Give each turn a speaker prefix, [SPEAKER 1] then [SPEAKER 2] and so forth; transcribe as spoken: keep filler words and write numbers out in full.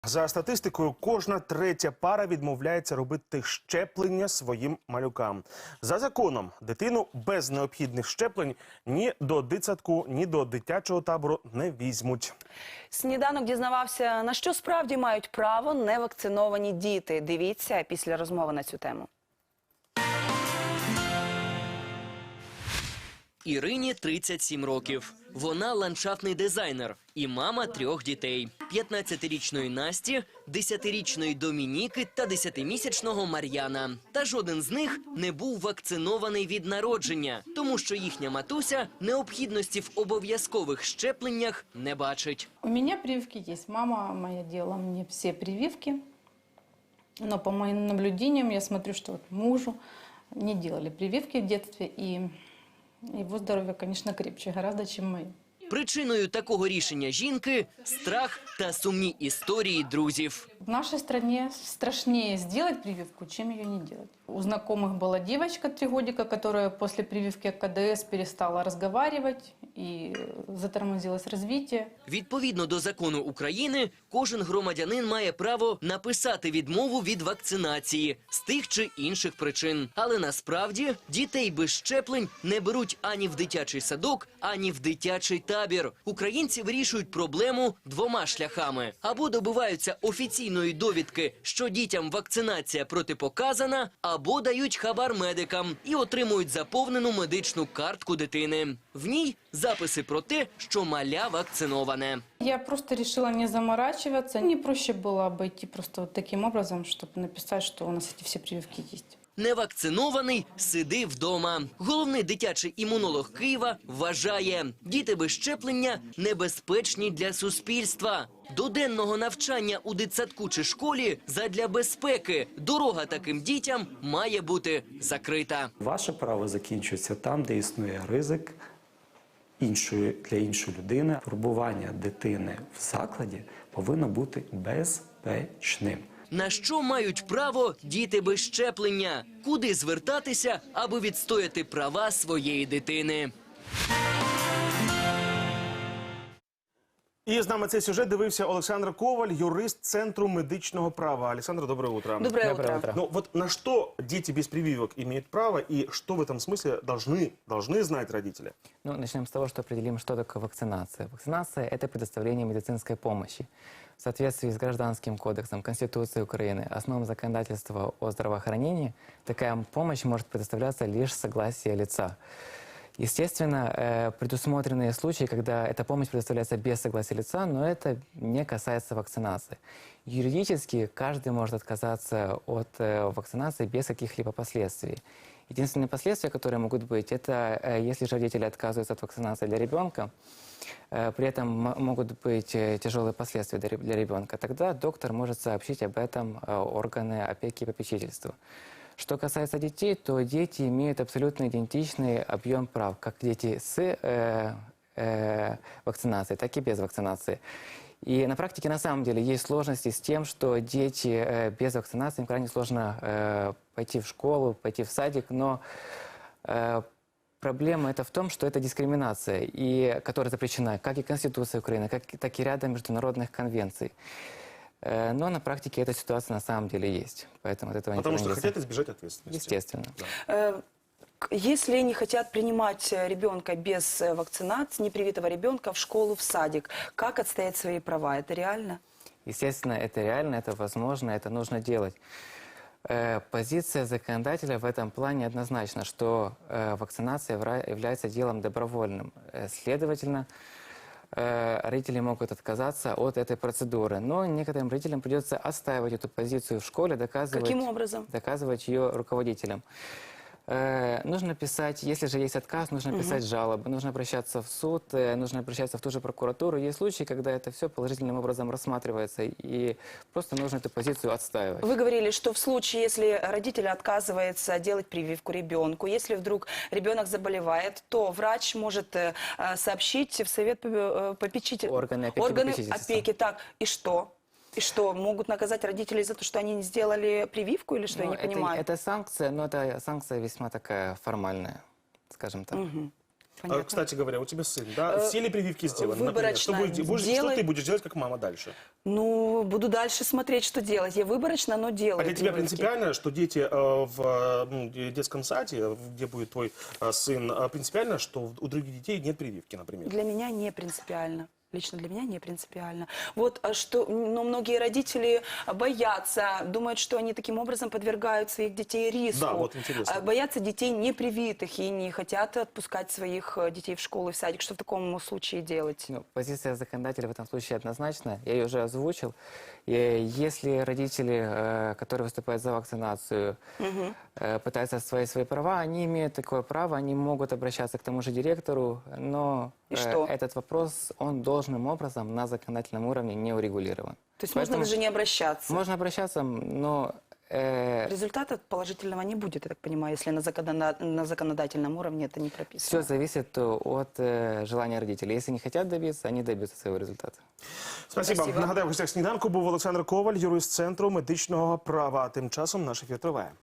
[SPEAKER 1] За статистикою, кожна третя пара відмовляється робити щеплення своїм малюкам. За законом, дитину без необхідних щеплень ні до дитсадку, ні до дитячого табору не візьмуть.
[SPEAKER 2] Сніданок дізнавався, на що справді мають право невакциновані діти. Дивіться після розмови на цю тему.
[SPEAKER 3] Ірині тридцять сім років. Вона ландшафтний дизайнер і мама трьох дітей. п'ятнадцятирічної Насті, десятирічної Домініки та десятимісячного Мар'яна. Та жоден з них не був вакцинований від народження, тому що їхня матуся необхідності в обов'язкових щепленнях не бачить.
[SPEAKER 4] У меня прививки есть. Мама моя делала мне все прививки. Но по моим наблюдениям я смотрю, что вот мужу не делали прививки в детстве. И его здоровье, конечно, крепче гораздо, чем мое.
[SPEAKER 3] Причиною такого рішення жінки – страх та сумні історії друзів.
[SPEAKER 4] В нашей стране страшнее сделать прививку, чем ее не делать. У знакомых была девочка три годика, которая после прививки ка дэ эс перестала разговаривать и затормозилось развитие.
[SPEAKER 3] Відповідно до закону України, кожен громадянин має право написати відмову від вакцинації з тих чи інших причин. Але насправді дітей без щеплень не беруть ані в дитячий садок, ані в дитячий табір. Українці вирішують проблему двома шляхами. Або добиваються офіційної довідки, що дітям вакцинація протипоказана, або дають хабар медикам і отримують заповнену медичну картку дитини. В ній записи про те, що маля вакциноване.
[SPEAKER 4] Я просто решила не заморачиваться. Мне проще было обойти просто вот таким образом, чтобы написать, что у нас эти все прививки есть.
[SPEAKER 3] Невакцинований – сиди вдома. Головний дитячий імунолог Києва вважає, діти без щеплення небезпечні для суспільства. До денного навчання у дитсадку чи школі задля безпеки дорога таким дітям має бути закрита.
[SPEAKER 5] Ваше право закінчується там, де існує ризик іншої, для іншої людини. Турбування дитини в закладі повинно бути безпечним.
[SPEAKER 3] На що мають право діти без щеплення? Куди звертатися, аби відстояти права своєї дитини?
[SPEAKER 1] І з нами цей сюжет дивився Олександр Коваль, юрист Центру медичного права. Александр, доброе утро.
[SPEAKER 2] Доброе,
[SPEAKER 6] Доброе
[SPEAKER 2] утро.
[SPEAKER 6] утро.
[SPEAKER 1] Ну вот на что дети без прививок имеют право и что в этом смысле должны, должны знать родители?
[SPEAKER 6] Ну, начнем с того, что определим, что такое вакцинация. Вакцинация – это предоставление медицинской помощи. В соответствии с Гражданским кодексом, Конституцией Украины, основам законодательства о здравоохранении, такая помощь может предоставляться лишь с согласия лица. Естественно, э, предусмотрены случаи, когда эта помощь предоставляется без согласия лица, но это не касается вакцинации. Юридически каждый может отказаться от э, вакцинации без каких-либо последствий. Единственные последствия, которые могут быть, это э, если же родители отказываются от вакцинации для ребенка, э, при этом могут быть э, тяжелые последствия для, для ребенка, тогда доктор может сообщить об этом э, органы опеки и попечительства. Что касается детей, то дети имеют абсолютно идентичный объем прав, как дети с э, э, вакцинацией, так и без вакцинации. И на практике на самом деле есть сложности с тем, что дети э, без вакцинации, им крайне сложно э, пойти в школу, пойти в садик, но э, проблема это в том, что это дискриминация, и, которая запрещена как и Конституцией Украины, как, так и рядом международных конвенций. Но на практике эта ситуация на самом деле есть. Поэтому от этого
[SPEAKER 1] Потому что
[SPEAKER 6] не
[SPEAKER 1] хотят избежать ответственности.
[SPEAKER 6] Естественно.
[SPEAKER 2] Э, к- Если не хотят принимать э, ребенка без э, вакцинации, непривитого ребенка в школу, в садик, как отстоять свои права? Это реально?
[SPEAKER 6] Естественно, это реально, это возможно, это нужно делать. Э, Позиция законодателя в этом плане однозначна, что э, вакцинация вра- является делом добровольным. Э, Следовательно, э, родители могут отказаться от этой процедуры. Но некоторым родителям придется отстаивать эту позицию в школе, доказывать,
[SPEAKER 2] Каким образом?
[SPEAKER 6] доказывать ее руководителям. Э, Нужно писать, если же есть отказ, нужно писать жалобы, нужно обращаться в суд, э, нужно обращаться в ту же прокуратуру. Есть случаи, когда это все положительным образом рассматривается, и просто нужно эту позицию отстаивать.
[SPEAKER 2] Вы говорили, что в случае, если родитель отказывается делать прививку ребенку, если вдруг ребенок заболевает, то врач может э, э, сообщить в совет э, попечителя.
[SPEAKER 6] Органы опеки и
[SPEAKER 2] Органы
[SPEAKER 6] попечительства.
[SPEAKER 2] опеки. Так, и что? И что, могут наказать родителей за то, что они не сделали прививку или что,
[SPEAKER 6] Ну,
[SPEAKER 2] я не
[SPEAKER 6] это,
[SPEAKER 2] понимаю?
[SPEAKER 6] это санкция, но это санкция весьма такая формальная, скажем так.
[SPEAKER 2] Мгм.
[SPEAKER 1] А,
[SPEAKER 2] Понятно.
[SPEAKER 1] кстати говоря, у тебя сын, да?
[SPEAKER 2] Э,
[SPEAKER 1] Все ли прививки сделаны? Например, что,
[SPEAKER 2] выборочно
[SPEAKER 1] будешь- будешь- что
[SPEAKER 2] делай-
[SPEAKER 1] ты будешь делать как мама дальше?
[SPEAKER 2] Ну, буду дальше смотреть, что делать. Я выборочно, но делаю
[SPEAKER 1] А для тебя
[SPEAKER 2] прививки.
[SPEAKER 1] принципиально, что дети э, в э, ну, детском саде, где будет твой э, сын, э, принципиально, что у других детей нет прививки, например?
[SPEAKER 2] Для меня не принципиально. Лично для меня не принципиально. Вот а что, но многие родители боятся, думают, что они таким образом подвергают своих детей риску.
[SPEAKER 1] Да, вот интересно.
[SPEAKER 2] А, Боятся детей непривитых и не хотят отпускать своих э, детей в школу и в садик. Что в таком случае делать?
[SPEAKER 6] Ну, позиция законодателя в этом случае однозначна. Я ее уже озвучил. И если родители, э, которые выступают за вакцинацию, э, пытаются отстоять свои права, они имеют такое право, они могут обращаться к тому же директору, но
[SPEAKER 2] И
[SPEAKER 6] э,
[SPEAKER 2] что?
[SPEAKER 6] этот вопрос, он должным образом на законодательном уровне не урегулирован.
[SPEAKER 2] То есть
[SPEAKER 6] Поэтому
[SPEAKER 2] можно даже не обращаться.
[SPEAKER 6] Можно обращаться, но э,
[SPEAKER 2] Результата положительного не будет, я так понимаю, если на, законода- на законодательном уровне это не
[SPEAKER 6] все
[SPEAKER 2] прописано.
[SPEAKER 6] зависит от э, желания родителей. Если не хотят добиться, они добьются своего результата.
[SPEAKER 1] Спасибо.
[SPEAKER 2] Спасибо.
[SPEAKER 1] Нагадаю, в гостях сніданку був Олександр Коваль, юрист Центру медичного права. Тим часом наш ефір триває.